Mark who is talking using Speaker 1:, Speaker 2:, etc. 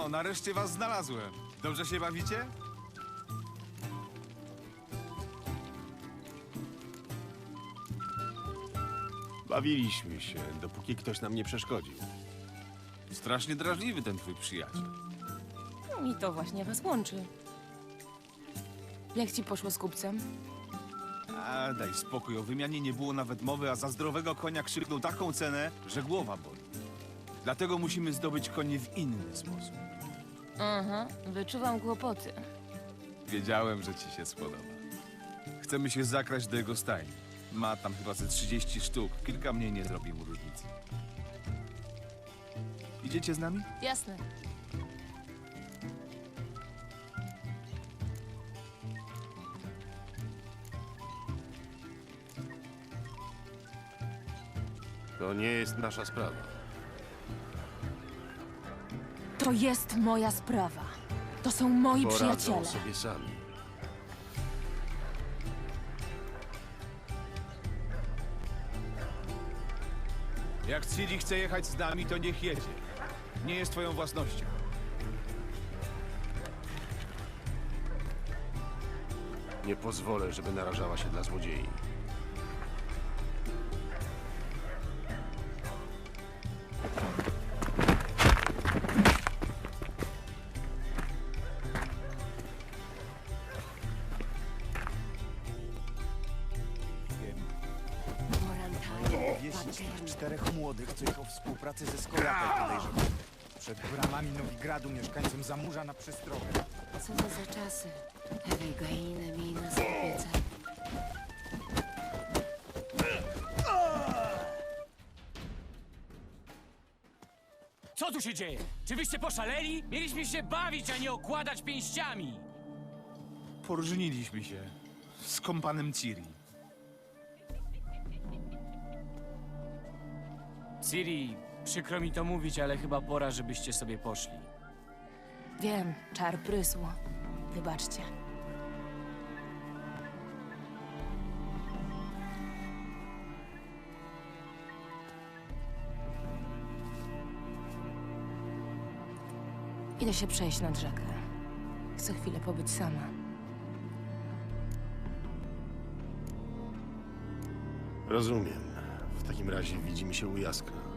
Speaker 1: No, nareszcie was znalazłem. Dobrze się bawicie?
Speaker 2: Bawiliśmy się, dopóki ktoś nam nie przeszkodził.
Speaker 1: Strasznie drażliwy ten twój przyjaciel.
Speaker 3: I to właśnie was łączy. Jak ci poszło z kupcem?
Speaker 1: A daj spokój, o wymianie nie było nawet mowy, a za zdrowego konia krzyknął taką cenę, że głowa boli. Dlatego musimy zdobyć konie w inny sposób.
Speaker 3: Aha, wyczuwam kłopoty.
Speaker 1: Wiedziałem, że ci się spodoba. Chcemy się zakraść do jego stajni. Ma tam chyba ze 30 sztuk. Kilka mniej nie zrobi mu różnicy. Idziecie z nami?
Speaker 3: Jasne.
Speaker 2: To nie jest nasza sprawa.
Speaker 3: To jest moja sprawa. To są moi
Speaker 2: Poradzą
Speaker 3: przyjaciele.
Speaker 2: sobie sami.
Speaker 1: Jak Ciri chce jechać z nami, to niech jedzie. Nie jest twoją własnością.
Speaker 2: Nie pozwolę, żeby narażała się dla złodziei.
Speaker 4: Wieścić tych 4 młodych, co ich o współpracy ze Skolatem podejrzewają. Przed bramami Nowigradu mieszkańcom zamurza na przestrogę.
Speaker 5: Co to za czasy? Ewigainy miej nas w opiece.
Speaker 6: Co tu się dzieje? Czy wyście poszaleli? Mieliśmy się bawić, a nie okładać pięściami!
Speaker 1: Poróżniliśmy się z kompanem Ciri.
Speaker 6: Ciri, przykro mi to mówić, ale chyba pora, żebyście sobie poszli.
Speaker 3: Wiem, czar prysł. Wybaczcie. Idę się przejść nad rzekę. Chcę chwilę pobyć sama.
Speaker 2: Rozumiem. W takim razie widzimy się u Jaskra.